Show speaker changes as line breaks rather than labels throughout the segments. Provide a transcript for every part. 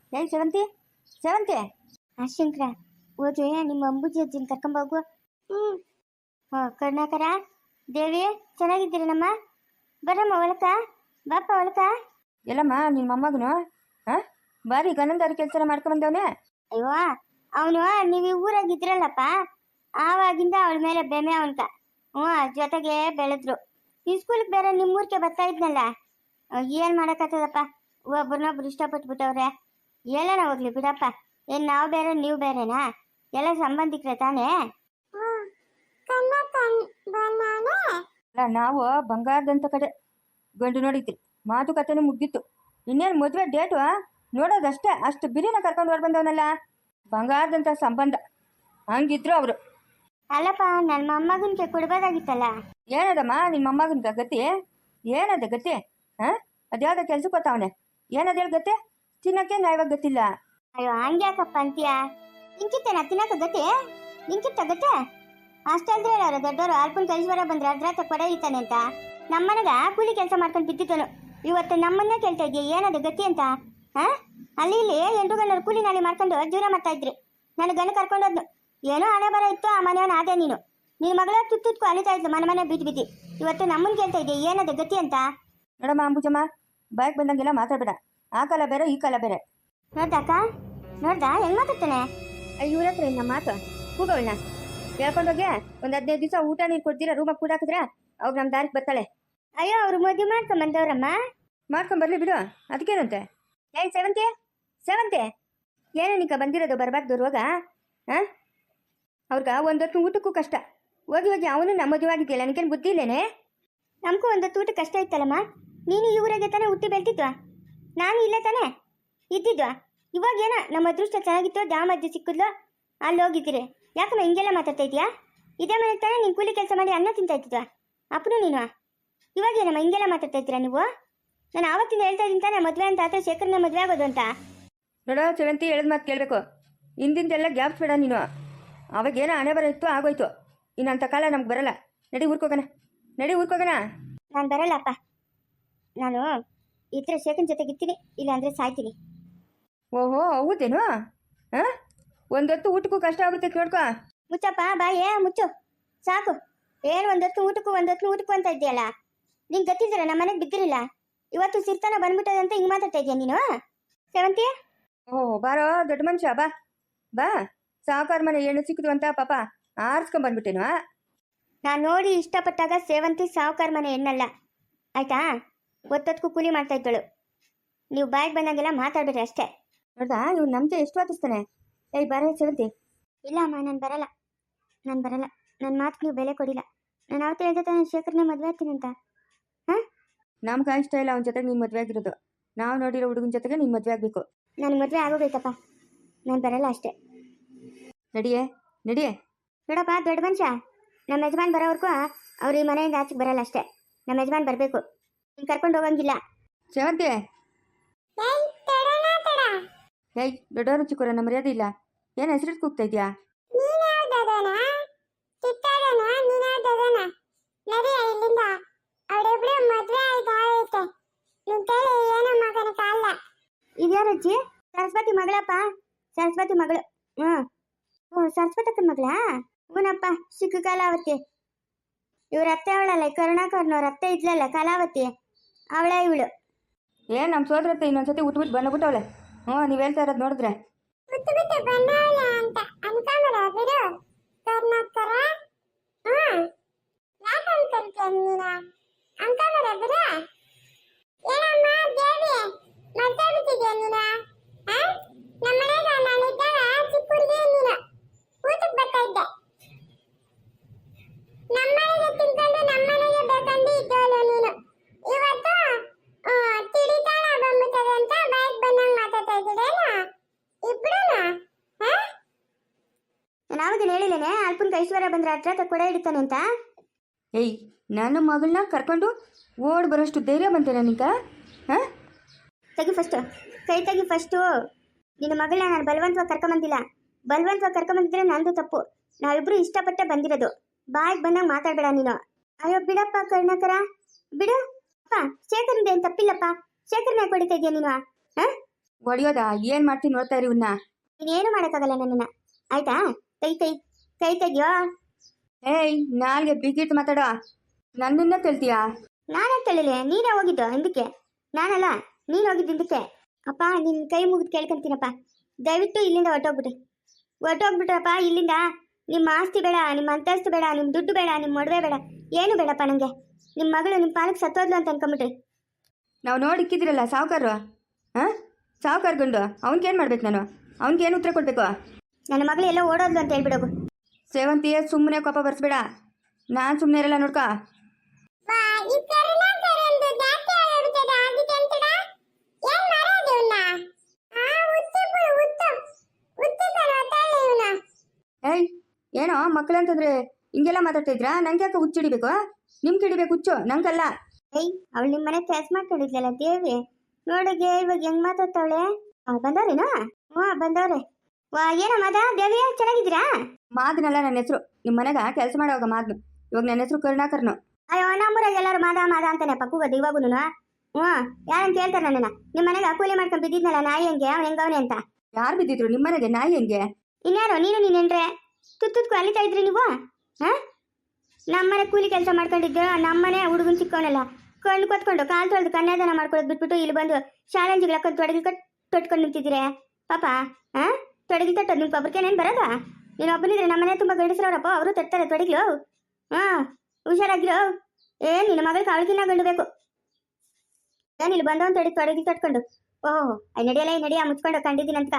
ಏಯ್ ಸೇವಂತಿ, ಸೇವಂತಿ. ಶಂಕರ ಹೋಗಿ ನಿಮ್ಮ ಅಂಬುಜಿ ಅಜ್ಜಿನ ಕರ್ಕೊಂಬೋಗು. ಕರ್ಣಾಕರ ದೇವಿ ಚೆನ್ನಾಗಿದ್ದೀರನಮ್ಮ? ಬರಮ್ಮ ಒಳಕ, ಬಾಪ ಒಳಕ. ಎಲ್ಲಮ್ಮ ನಿನ್ನ ಮೊಮ್ಮಗನು ಬಾರಿ ಗನಂದಾರಿ ಕೆಲಸ ಮಾಡ್ಕೊಂಬಂದವನೇ. ಅಯ್ಯೋ ಅವನು ನೀವು ಈ ಊರಾಗಿದ್ರಲ್ಲಪ್ಪ, ಆವಾಗಿಂದ ಅವಳ ಮೇಲೆ ಬೆಮೆ ಅವನ್ಕ. ಜೊತೆಗೆ ಬೆಳೆದ್ರು. ಈ ಸ್ಕೂಲ್ಗೆ ಬೇರೆ ನಿಮ್ಮೂರ್ಗೆ ಬರ್ತಾ ಇದ್ನಲ್ಲ, ಏನು ಮಾಡೋಕ್ಕಾಗ್ತದಪ್ಪ, ಒಬ್ರನ್ನೊಬ್ರು ಇಷ್ಟಪಟ್ಬಿಟ್ಟವ್ರೆ. ಎಲ್ಲನ ಹೋಗ್ಲಿ ಬಿಡಪ್ಪ, ಏನು ನಾವು ಬೇರೆ ನೀವು ಬೇರೆನಾ? ಎಲ್ಲ ಸಂಬಂಧಿಕರೇ ತಾನೇ. ಅಲ್ಲ, ನಾವು ಬಂಗಾರದಂತ ಕಡೆ ಗಂಡು ನೋಡಿದ್ರಿ, ಮಾತುಕತೆನೂ ಮುಗ್ದಿತ್ತು. ಇನ್ನೇನು ಮದುವೆ ಡೇಟು ನೋಡೋದಷ್ಟೇ. ಅಷ್ಟು ಬಿರಿನ ಕರ್ಕೊಂಡು ಹೊರ ಬಂದವನಲ್ಲ, ಬಂಗಾರದಂಥ ಸಂಬಂಧ. ಹಂಗಿದ್ರು ಅವರು. ಅಲ್ಲಪ್ಪ, ನನ್ನ ಮೊಮ್ಮಗನಿಗೆ ಕೊಡ್ಬೋದಾಗಿತ್ತಲ್ಲ. ಏನದಮ್ಮ ನಿಮ್ಮ ಮೊಮ್ಮಗನ ಗತಿ? ಏನದ ಗತಿ? ಅದ್ಯಾವುದೋ ಕೆಲ್ಸಕ್ಕೆ ಗೊತ್ತವನೆ. ಏನದ ಹೇಳಿ ಗತಿ? ತಿನ್ನಕ್ಕೆ ನ್ಯಾಯವಾಗ ಗೊತ್ತಿಲ್ಲ. ಅಯ್ಯೋ ಹಂಗ್ಯಾಕಪ್ಪ ಅಂತೀಯ? ನಿಂಕಿತ್ತೇನ ತಿನ್ನಕ ಗತಿ? ನಿಂಕಿತ್ತ ಗತಿ? ಅಷ್ಟೇ ಅಲ್ದ್ರೆ ಹೇಳೋರು ದೊಡ್ಡವರು. ಅಲ್ಪನ ಕೈಶ್ವರ ಬಂದ್ರೆ ಅದ್ರಾತ ಕೊಡ ಇತ್ತಾನೆ ಅಂತ. ನಮ್ಮನೆಗ ಕೂಲಿ ಕೆಲಸ ಮಾಡ್ಕೊಂಡು ಬಿದ್ದಿದ್ದನು. ಇವತ್ತು ನಮ್ಮನ್ನೇ ಕೇಳ್ತಾ ಇದ್ದೀಯ ಏನದು ಗತಿ ಅಂತ? ಅಲ್ಲಿ ಇಲ್ಲಿ 8 ಗಂಟೆ ಕೂಲಿ ನಾಲಿ ಮಾಡ್ಕೊಂಡು ಜೀವನ ಮಾಡ್ತಾ ಇದ್ರಿ. ನನ್ನ ಗಂಡು ಕರ್ಕೊಂಡೋದ್ನು. ಏನೋ ಹಣೆ ಬರ ಇತ್ತು, ಆ ಮನೆಯವನ ಆದೆ ನೀನು. ನಿನ್ನ ಮಗಳ ತುತ್ತುತ್ಕು ಅಲಿತಾ ಇದ್ಲು, ಮನೆ ಬಿದ್ದು. ಇವತ್ತು ನಮ್ಮನ್ನು ಕೇಳ್ತಾ ಇದ್ದೀಯ ಏನದು ಗತಿ ಅಂತ? ನೋಡಮ್ಮ ಅಂಬುಜಮ್ಮ, ಬಾಯ್ಗೆ ಬಂದಂಗೆಲ್ಲ ಮಾತಾಡಬೇಡ. ಆ ಕಾಲ ಬೇರೆ ಈ ಕಾಲ ಬೇರೆ. ನೋಡ್ದಾಕ, ನೋಡ್ದ ಹೆಂಗ್ ಮಾತಾಡ್ತಾನೆ? ಇವ್ರ ಹತ್ರ ಇನ್ನ ಮಾತು ಕೂಗವಳನ್ನ ಹೇಳ್ಕೊಂಡೋಗಿ ಒಂದು 15 ದಿವಸ ಊಟ ನೀರು ಕೊಡ್ತೀರಾ, ರೂಮಾಗ ಕೂಡ ಹಾಕಿದ್ರೆ ಅವ್ರು ನಮ್ಮ ದಾರಿಗೆ ಬರ್ತಾಳೆ. ಅಯ್ಯೋ ಅವ್ರು ಮದುವೆ ಮಾಡ್ಕೊಂಬಂದವ್ರಮ್ಮ. ಮಾಡ್ಕೊಂಬರ್ಲಿ ಬಿಡು, ಅದಕ್ಕೇನಂತೆ. ಏಯ್ ಸೇವಂತಿ, ಸೇವಂತಿ, ಏನು ನಿಂಕ ಬಂದಿರೋದು ಬರಬಾರ್ದು ರೋಗ? ಅವ್ರಿಗೆ ಒಂದೊತ್ತು ಊಟಕ್ಕೂ ಕಷ್ಟ. ಹೋಗಿ ಹೋಗಿ ಅವನು ನಮ್ಮ ಮದುವೆ ಆಗಿದೆಯಲ್ಲ, ನನಗೇನು ಬುದ್ಧಿ ಇಲ್ಲೇನೆ? ನಮಗೂ ಒಂದೊತ್ತು ಊಟ ಕಷ್ಟ ಇತ್ತಲ್ಲಮ್ಮ. ನೀನು ಈ ಊರಾಗೆ ತಾನೇ ಹುಟ್ಟಿ ಬೆಳ್ತಿದ್ವಾ, ನಾನು ಇಲ್ಲೇ ತಾನೇ ಇದ್ದಿದ್ವಾ. ಇವಾಗೇನ ನಮ್ಮ ಅದೃಷ್ಟ ಚೆನ್ನಾಗಿತ್ತು, ದಾಮಜ್ಜಿ ಸಿಕ್ಕಿದ್ಲು, ಅಲ್ಲಿ ಹೋಗಿದ್ದೀರಿ. ಯಾಕಮ್ಮ ಹಿಂಗೆಲ್ಲ ಮಾತಾಡ್ತಾ ಇದೆಯಾ? ಇದೇ ಮನೆಗೆ ತಾನೇ ನೀನು ಕೂಲಿ ಕೆಲಸ ಮಾಡಿ ಅನ್ನ ತಿಂತಾ ಇದ್ದಿದ್ವಾ ಅಪ್ಪನು ನೀನು. ಇವಾಗೇನಮ್ಮ ಹಿಂಗೆಲ್ಲ ಮಾತಾಡ್ತಾ ಇದ್ದೀರಾ ನೀವು? ನಾನು ಆವತ್ತಿಂದ ಹೇಳ್ತಾ ಇದ್ದೀನಿ ತಾನೇ ಮದುವೆ ಅಂತ, ಆದರೆ ಶೇಖರ್ನ ಮದುವೆ ಆಗೋದು ಅಂತ. ನೋಡೋ ಸೇವಂತಿ, ಹೇಳಿದ ಮಾತು ಕೇಳಬೇಕು. ಹಿಂದಿಂದೆಲ್ಲ ಗ್ಯಾಪ್ಸ್ ಬೇಡ ನೀನು. ಅವಾಗೇನೋ ಹಣೆ ಬರ ಇತ್ತು, ಆಗೋಯ್ತು. ಇನ್ನಂಥ ಕಾಲ ನಮ್ಗೆ ಬರಲ್ಲ. ನಡಿ ಊರ್ಕೋಗೋಣ, ನಡಿ ಊರ್ಕೋಗೋಣ. ನಾನು ಬರಲ್ಲಪ್ಪ. ನಾನು ಇತರ ಶೇಖನ್ ಜೊತೆಗೆ ಇರ್ತೀನಿ, ಇಲ್ಲ ಅಂದರೆ ಸಾಯ್ತೀನಿ. ಓಹೋ ಹೌದೇನು? ಒಂದೊತ್ತು ಊಟಕ್ಕೂ ಕಷ್ಟ ಆಗುತ್ತೆ ನೋಡ್ಕೊ. ಮುಚ್ಚಪ್ಪ ಬಾಯೇ ಮುಚ್ಚು, ಸಾಕು. ಏನು ಒಂದೊತ್ತು ಊಟಕ್ಕೂ ಅಂತ ಇದೆಯಲ್ಲ. ನಿಂಗೆ ಗೊತ್ತಿದ್ದೀರ ನಮ್ಮ ಮನೆಗೆ ಬಿದ್ದಿರಲಿಲ್ಲ. ಇವತ್ತು ಸಿರ್ತಾನ ಬಂದ್ಬಿಟ್ಟದಂತ ಹಿಂಗೆ ಮಾತಾಡ್ತಾ ಇದೆಯಾ ನೀನು? ಸೇವಂತಿ, ಓಹ್ ಬಾರೋ ದೊಡ್ಡ ಮನುಷ್ಯ, ಬಾ ಬಾ. ಸಾವುಕಾರ ಮನೆ ಹೆಣ್ಣು ಸಿಕ್ಕಿದ್ವು ಅಂತ ಪಾಪ ಆರಿಸ್ಕೊಂಬಂದ್ಬಿಟ್ಟೇನು? ನಾನು ನೋಡಿ ಇಷ್ಟಪಟ್ಟಾಗ ಸೇವಂತಿ ಸಾವುಕಾರ ಮನೆ ಹೆಣ್ಣಲ್ಲ, ಆಯ್ತಾ? ಒತ್ತೊತ್ಕು ಕೂಲಿ ಮಾಡ್ತಾ ಇದ್ದಳು. ನೀವು ಬಾಯಿಗೆ ಬಂದಾಗೆಲ್ಲ ಮಾತಾಡ್ಬೇಡ್ರಿ ಅಷ್ಟೇ. ನೋಡ್ದಾ ಇವ್ನು ನಮ್ಗೆ ಎಷ್ಟು ವಾದಿಸ್ತಾನೆ. ಏಯ್ ಬಾರ ಸೇವಂತಿ. ಇಲ್ಲ ಅಮ್ಮ, ನಾನು ಬರಲ್ಲ. ನನ್ನ ಮಾತು ನೀವು ಬೆಲೆ ಕೊಡಿಲ್ಲ. ನಾನು ಅವತ್ತು ಹೇಳ್ದೆ ತಾನೆ ಶೇಖರ್ನೇ ಮದುವೆ ಆಗ್ತೀನಿ ಅಂತ. ನಮ್ಗೆ ಇಷ್ಟ ಇಲ್ಲ ಅವನ ಜೊತೆಗೆ ನೀನು ಮದುವೆ ಆಗಿರೋದು. ನಾವು ನೋಡಿರೋ ಹುಡುಗನ ಜೊತೆಗೆ ನೀನು ಮದುವೆ ಆಗಬೇಕು. ನನಗೆ ಮದುವೆ ಆಗೋಬೇಕಪ್ಪ, ನಾನು ಬರಲ್ಲ ಅಷ್ಟೇ. ನಡಿಯೇ ನಡಿಯೇ. ನೋಡಪ್ಪ ದೊಡ್ಡ ಮನುಷ್ಯ, ನಮ್ಮ ಯಜಮಾನ್ ಬರೋವರೆಗೂ ಅವ್ರು ಈ ಮನೆಯಿಂದ ಆಚೆಗೆ ಬರಲ್ಲ ಅಷ್ಟೇ. ನಮ್ಮ ಯಜಮಾನ್ ಬರಬೇಕು, ನೀನು ಕರ್ಕೊಂಡು ಹೋಗಂಗಿಲ್ಲ. ಸೇವಂತಿ, ಏಯ್ ದೊಡ್ಡವರು ಚಿಕ್ಕವರು ನಮ್ಮ ಮರ್ಯಾದೆ ಇಲ್ಲ. ಏನು ಹೆಸರು ಕೂಗ್ತಾ ಇದೆಯಾ? ಇದ್ಯಾರಜ್ಜಿ? ಸರಸ್ವತಿ ಮಗಳಪ್ಪ, ಸರಸ್ವತಿ ಮಗಳು. ಸರಸ್ವತಕ್ಕನ ಮಗಳಾ? ಹೂನಪ್ಪ, ಚಿಕ್ಕ ಕಲಾವತಿ. ಇವ್ರ ಅತ್ತೆ ಅವಳಲ್ಲ, ಕರುಣಾಕರ್ನವ್ರ ಅತ್ತೆ ಇದ್ಲಲ್ಲ ಕಲಾವತಿ, ಅವಳೇ ಇವಳು. ಏನು ನಮ್ಮ ಸೋದರತ್ತೆ ಇನ್ನೊಂದ್ಸತಿ ಉಟ್ಬಿಟ್ಟು ಬಂದ್ಬಿಟ್ಟವಳೆ. ನೀವು ಹೇಳ್ತಾ ಇರೋದು ನೋಡಿದ್ರೆ ನಾವಾಗೇನು ಹೇಳಿಲ್ಲೇನೆ ಅಲ್ಪನ ಕೈಶ್ವರ ಬಂದ್ರೆ ಹತ್ರ ಕೊಡ ಹಿಡಿತಾನೆ ಅಂತ. ಏಯ್ ನನ್ನ ಮಗಳನ್ನ ಕರ್ಕೊಂಡು ಓಡ್ ಬರೋಷ್ಟು ಧೈರ್ಯ ಬಂತೇನೆ ನಿಂಕ? ತೆಗಿ ಫಸ್ಟು, ಕೈ ತೆಗಿ ಫಸ್ಟು. ನಿನ್ನ ಮಗಳನ್ನ ನಾನು ಬಲವಂತವಾಗಿ ಕರ್ಕೊಂಬಂದಿಲ್ಲ. ಬಲವಂತವಾಗಿ ಕರ್ಕೊಂಬಂದಿದ್ರೆ ನಂದು ತಪ್ಪು. ನಾವಿಬ್ರು ಇಷ್ಟಪಟ್ಟೆ ಬಂದಿರೋದು. ಬಾಯಿಗೆ ಬಂದಾಗ ಮಾತಾಡಬೇಡ ನೀನು. ಅಯ್ಯೋ ಬಿಡಪ್ಪ ಕರ್ಣಕರ, ಬಿಡು ಅಪ್ಪ. ಶೇಖರ್ನಿಂದ ಏನು ತಪ್ಪಿಲ್ಲಪ್ಪ. ಶೇಖರ್ನ ಹೊಡಿತಾ ಇದೆಯಾ ನೀನು?
ಹೊಡಿಯೋದಾ? ಏನು ಮಾಡ್ತೀನಿ ನೋಡ್ತಾ ಇರಿ ಇವನ್ನ.
ನೀನೇನು ಮಾಡೋಕ್ಕಾಗಲ್ಲ ನನ್ನನ್ನು, ಆಯ್ತಾ? ಕೈ ಕೈ ಕೈ ತೆಗಿಯೋ.
ಏಯ್, ನಾಲ್ಗೆ ಬಿಗಿಟ್ಟು ಮಾತಾಡೋ. ನನ್ನನ್ನ ಕೇಳ್ತೀಯಾ?
ನಾನೇ ತಿಳಿಲಿ, ನೀನೇ ಹೋಗಿದ್ದು ಹಿಂದಕ್ಕೆ, ನಾನಲ್ಲ, ನೀನು ಹೋಗಿದ್ದು ಹಿಂದಕ್ಕೆ. ಅಪ್ಪ ನಿನ್ನ ಕೈ ಮುಗಿದು ಕೇಳ್ಕೊಂತೀನಪ್ಪ, ದಯವಿಟ್ಟು ಇಲ್ಲಿಂದ ಹೊರಟೋಗ್ಬಿಟ್ರಪ್ಪ ಇಲ್ಲಿಂದ. ನಿಮ್ಮ ಆಸ್ತಿ ಬೇಡ, ನಿಮ್ಮ ಅಂತಸ್ತು ಬೇಡ, ನಿಮ್ಮ ದುಡ್ಡು ಬೇಡ, ನಿಮ್ಮ ಮದುವೆ ಬೇಡ, ಏನು ಬೇಡಪ್ಪ ನನಗೆ. ನಿಮ್ಮ ಮಗಳು ನಿಮ್ಮ ಪಾಲಕ್ಕೆ ಸತ್ತೋದ್ಲು ಅಂತ ಅನ್ಕೊಂಬಿಟ್ರಿ.
ನಾವು ನೋಡಿಕ್ಕಿದ್ರಲ್ಲ ಸಾವುಕಾರರು, ಹಾಂ? ಸಾವುಕಾರ ಗಂಡು, ಅವ್ನಿಗೇನು ಮಾಡ್ಬೇಕು ನಾನು? ಅವ್ನಿಗೇನು ಉತ್ತರ ಕೊಡಬೇಕು?
ನನ್ನ ಮಗಳು ಎಲ್ಲ ಓಡೋದ್ಲು ಅಂತ ಹೇಳ್ಬಿಡೋಗು.
ಸೇವಂತಿ, ಸುಮ್ಮನೆ ಕೋಪ ಬರ್ಸ್ಬೇಡ. ನಾನು ಸುಮ್ಮನೆ ಇರಲ್ಲ ನೋಡ್ಕ. ಏಯ್, ಏನೋ ಮಕ್ಕಳಂತಂದ್ರೆ ಹಿಂಗೆಲ್ಲ ಮಾತಾಡ್ತಾ ಇದ್ರಾ? ನಂಗೆ ಯಾಕೆ ಹುಚ್ಚಿಡಿಬೇಕು? ನಿಮ್ಗೆ ಹಿಡಿಬೇಕು ಹುಚ್ಚು, ನಂಗಲ್ಲ.
ಏಯ್, ಅವಳು ನಿಮ್ಮ ಮನೆ ಕೆಲಸ ಮಾಡ್ಕೊಂಡಿದ್ಲಲ್ಲ ದೇವಿ, ನೋಡಿಗೆ ಇವಾಗ ಹೆಂಗ್ ಮಾತಾಡ್ತಾವಳೆ. ಬಂದವ್ರೇನಾ? ಹ್ಞೂ ಬಂದವ್ರೆ. ಏನೋ ಮಾದ ದೇವಿ, ಚೆನ್ನಾಗಿದ್ದೀರಾ?
ಮಾದನಲ್ಲ ನನ್ನ ಹೆಸರು. ನಿಮ್ಮ ಮನೆಗ ಕೆಲಸ ಮಾಡೋವಾಗ ಮಾದ್ನು. ಇವಾಗ ನನ್ನ ಹೆಸರು ಕರುಣಾಕರ್ನು.
ಅಯ್ಯೋ, ನಮ್ಮೂರಾಗ ಎಲ್ಲರೂ ಮಾದ ಮಾದ ಅಂತಾನೆ ಪಕ್ಕೂಗದು ಇವಾಗೂ. ಹ್ಞೂ, ಯಾರನ್ನು ಕೇಳ್ತಾರೆ ನನ್ನನ್ನ? ನಿಮ್ಮ ಮನೆಗೆ ಕೂಲಿ ಮಾಡ್ಕೊಂಡು ಬಿದ್ದಿದ್ನಲ್ಲ ನಾಯಿ ಹೆಂಗೆ, ಅವ್ನು ಹೆಂಗವನೆ ಅಂತ.
ಯಾರು ಬಿದ್ದಿದ್ರು ನಿಮ್ಮ ಮನೆಗೆ? ನಾಯಿ ಹೆಂಗೆ?
ಇನ್ಯಾರೋ ನೀನು ನೀನೆನ್ರೆ ತುತ್ತುತ್ಕು ಅಲಿತಾ ಇದ್ರಿ ನೀವು? ಹಾಂ, ನಮ್ಮನೆ ಕೂಲಿ ಕೆಲಸ ಮಾಡ್ಕೊಂಡಿದ್ದು, ನಮ್ಮನೆ ಹುಡುಗನ ಚಿಕ್ಕವನಲ್ಲ, ಕಣ್ಣು ಕೊತ್ಕೊಂಡು ಕಾಲು ತೊಳೆದು ಕನ್ಯಾದಾನ ಮಾಡ್ಕೊಳ್ಳೋದು ಬಿಟ್ಬಿಟ್ಟು ಇಲ್ಲಿ ಬಂದು ಶಾಲೆಂಜಿಗೆ ಹಾಕೊಂಡು ತೊಡಗಿ ತೊಟ್ಕೊಂಡು ನಿಂತಿದ್ದೀರಿ ಪಾಪ. ಹಾಂ, ತೊಡಗಿ ತಟ್ಟೋದು ನಿಮ್ಮ ಒಬ್ರಿಗೇನೇನು ಬರೋದಾ? ನೀನು ಒಬ್ಬನಿದ್ರೆ ನಮ್ಮನೆ ತುಂಬ ಗಂಡಸ್ರವ್ರಪ್ಪ, ಅವರು ತಟ್ತಾರೆ ತೊಡಗಿಲು. ಹಾಂ, ಹುಷಾರಾಗಿರೋ. ಏನು ನಿನ್ನ ಮಗಳಿಗೆ ಅವಳಿಗಿನ್ನ ಗಂಡು ಬೇಕು? ಏನು ಇಲ್ಲಿ ಬಂದವನು ತೊಡಗಿ ತಟ್ಕೊಂಡು? ಓಹೋ, ನಡಿಯಲ್ಲ ನಡಿಯ ಮುಚ್ಕೊಂಡು ಕಂಡಿದ್ದೀನಂತ.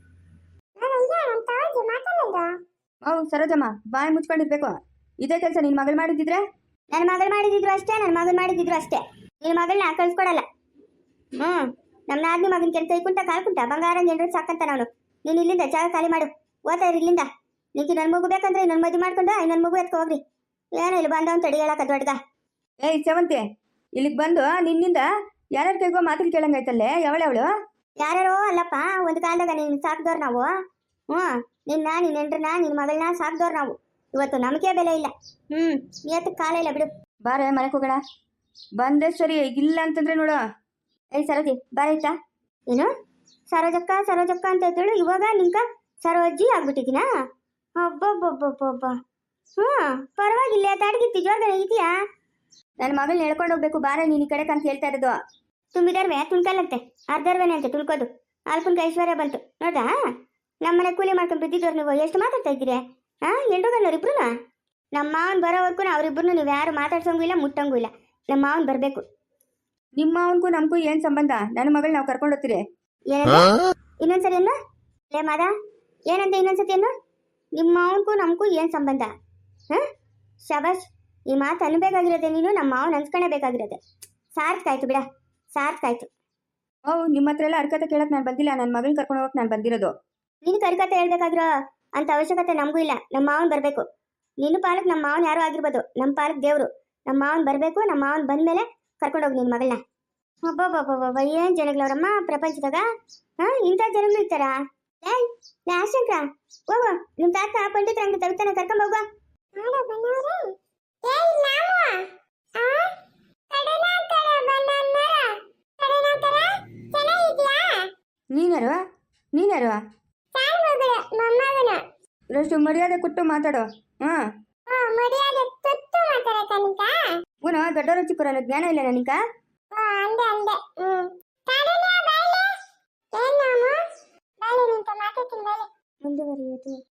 ಹೌದು ಸರೋಜಮ್ಮ, ಬಾಯಿ ಮುಚ್ಕೊಂಡಿರ್ಬೇಕು. ಇದೇ ಕೆಲಸ ನಿನ್ನ ಮಗಳು ಮಾಡಿದ್ದಿದ್ರೆ?
ನನ್ನ ಮಗಳು ಮಾಡಿದ್ರು ಅಷ್ಟೇ, ನನ್ನ ಮಗನ ಮಾಡಿದ್ರು ಅಷ್ಟೇ. ನಿನ್ನ ಮಗಳನ್ನ ಕಳ್ಸ್ಕೊಡಲ್ಲ. ನಮ್ಮ ನಾದ್ನಿ ಮಗನ ಕೆಲಸ ಕುಂಟ ಕಾಲು ಕುಂಟ ಬಂಗಾರ ಜನರು ಸಾಕಂತ ನಾನು. ನೀನು ಇಲ್ಲಿಂದ ಜಾಗ ಖಾಲಿ ಮಾಡು, ಓದ್ತಾ ಇರಿ ಇಲ್ಲಿಂದ. ನಿಂಗೆ ನನ್ನ ಮಗು ಬೇಕಂದ್ರೆ ಇನ್ನೊಂದು ಮದುವೆ ಮಾಡ್ಕೊಂಡು ಇನ್ನೊಂದು ಮಗು ಎತ್ಕೊ ಹೋಗ್ರಿ. ಏನೋ ಇಲ್ಲಿ ಬಂದವನು ತಡಿ ಹೇಳಕ್ಕ ದೊಡ್ಡಗ.
ಏಯ್ ಸೇವಂತಿ, ಇಲ್ಲಿಗೆ ಬಂದು ನಿನ್ನಿಂದ ಯಾರ್ಯಾರ ಕೈಗೋ ಮಾತಿಗೆ ಕೇಳಂಗಾಯ್ತಲ್ಲೇ. ಯಾವಳು?
ಯಾರ್ಯಾರೋ ಅಲ್ಲಪ್ಪ, ಒಂದು ಕಾಲದಾಗ ನೀನು ಸಾಕ್ದವ್ರು ನಾವು. ನಿನ್ನ ಹೆಂಡ್ರನ್ನ ನಿನ್ನ ಮಗಳನ್ನ ಸಾಕ್ದವ್ರು ನಾವು. ಇವತ್ತು ನಮಗೆ ಬೆಲೆ ಇಲ್ಲ. ನಿಯತ್ತಕ್ಕೆ ಕಾಲ ಇಲ್ಲ ಬಿಡು.
ಬಾರೆ ಮನೆಗೆ ಹೋಗೋಣ. ಬಂದೆ ಸರಿ, ಇಲ್ಲ ಅಂತಂದ್ರೆ ನೋಡು.
ಏಯ್ ಸರೋಜಿ ಬಾರೈತಾ? ಏನು ಸರೋಜಕ್ಕ ಸರೋಜಕ್ಕ ಅಂತ ಇದ್ದಳು, ಇವಾಗ ನಿಂಕ ಸರೋಜಿ ಆಗ್ಬಿಟ್ಟಿದ್ದೀನಾ? ಒಬ್ಬೊಬ್ಬೊಬ್ಬೊಬ್ಬೊಬ್ಬ. ಪರವಾಗಿಲ್ಲ, ತಾಡ್ಗಿತ್ತಿ ಜೋರ್ಗನೆ ಇದೆಯಾ?
ನನ್ನ ಮಗಳನ್ನ ಹೇಳ್ಕೊಂಡು ಹೋಗ್ಬೇಕು. ಬಾರೆ ನೀನು ಈ ಕಡೆಗೆ ಅಂತ ಹೇಳ್ತಾ ಇರೋದು.
ತುಂಬಿದರ್ವೆ ತುಳ್ಕಲ್ಲಂತೆ, ಅರ್ಧರ್ವೇನೆ ಅಂತೆ ತುಳ್ಕೋದು. ಅಲ್ಪನ್ಕ ಐಶ್ವರ್ಯ ಬಂತು ನೋಡ್ದಾ? ನಮ್ಮನೆ ಕೂಲಿ ಮಾಡ್ಕೊಂಡು ಬಿದ್ದಿದ್ದವ್ರು ನೀವು ಎಷ್ಟು ಮಾತಾಡ್ತಾ ಇದ್ದೀರಿ? ಎಂಟುಗನ್ನೋರು ಇಬ್ರು. ನಮ್ಮ ಮಾವನ್ ಬರೋವರೆಗೂ ಅವರಿಬ್ರು ನೀವು ಯಾರು ಮಾತಾಡ್ಸೋಂಗೂ ಇಲ್ಲ, ಮುಟ್ಟಂಗೂ ಇಲ್ಲ. ನಮ್ಮ ಮಾವನ್ ಬರಬೇಕು.
ನಿಮ್ಮ ಮಾವನ್ಗೂ ನಮಗೂ ಏನು ಸಂಬಂಧ? ನನ್ನ ಮಗಳು ನಾವು ಕರ್ಕೊಂಡು ಹೋಗ್ತೀರಿ.
ಏನಂತ ಇನ್ನೊಂದ್ಸರಿ ಅನ್ನು ಲೇ ಮಾದ, ಏನಂತ ಇನ್ನೊಂದ್ಸತಿ ಅನ್ನು? ನಿಮ್ಮ ಮಾವನ್ಗೂ ನಮಗೂ ಏನು ಸಂಬಂಧ? ಶಬಾಷ್, ಈ ಮಾತು ಅನ್ಬೇಕಾಗಿರೋದೆ ನೀನು. ನಮ್ಮ ಮಾವನ್ ಅನ್ಸ್ಕೊಳ್ಳೇಬೇಕಾಗಿರೋದೆ. ಸಾರ್ಥಕಾಯ್ತು ಬಿಡ, ಸಾರ್ಥಕಾಯ್ತು.
ನಿಮ್ಮ ಹತ್ರ ಎಲ್ಲ ಅರ್ಕತೆ ಕೇಳಕ್ಕೆ ನಾನು ಬಂದಿಲ್ಲ. ನನ್ನ ಮಗಳನ್ನ ಕರ್ಕೊಂಡು ಹೋಗಕ್ಕೆ ನಾನು ಬಂದಿರೋದು.
ನೀನು ಕರ್ಕತೆ ಹೇಳ್ಬೇಕಾಗಿರೋ ಅಂತ ಅವಶ್ಯಕತೆ ನಮಗೂ ಇಲ್ಲ. ನಮ್ಮ ಮಾವನ್ ಬರಬೇಕು. ನಿನ್ನ ಪಾಲಕ್ ನಮ್ಮ ಮಾವನ್ ಯಾರೋ ಆಗಿರ್ಬೋದು, ನಮ್ಮ ಪಾಲಕ್ ದೇವರು. ನಮ್ಮ ಮಾವನ್ ಬರಬೇಕು. ನಮ್ಮ ಮಾವನ್ ಬಂದ್ಮೇಲೆ ಕರ್ಕೊಂಡೋಗಿ ನಿನ್ನ ಮಗಳನ್ನ. ಒಬ್ಬೊಬ್ಬೊಬ್ಬೊಬ್ಬ, ಏನು ಜನಗಳವ್ರಮ್ಮ ಪ್ರಪಂಚದಾಗ. ಇಂಥ ಜನಗಳು ಇರ್ತಾರ? ಶಂಕರ ಹೋಗು, ನಿಮ್ಮ ತಾತ ಪಂಡಿತರ ಹಂಗೆ ತಗ್ತಾನೆ, ಕರ್ಕೊಂಡ್ ಹೋಗುವ.
ನೀನ್ಯಾರು? ರಷ್ಟು ಮರ್ಯಾದೆ ಕೊಟ್ಟು ಮಾತಾಡೋ. ದೊಡ್ಡವರು ಚಿಕ್ಕವರಲ್ಲ, ಜ್ಞಾನ ಇಲ್ಲ ನನಗ.
ಮುಂದುವರಿಯುವುದು.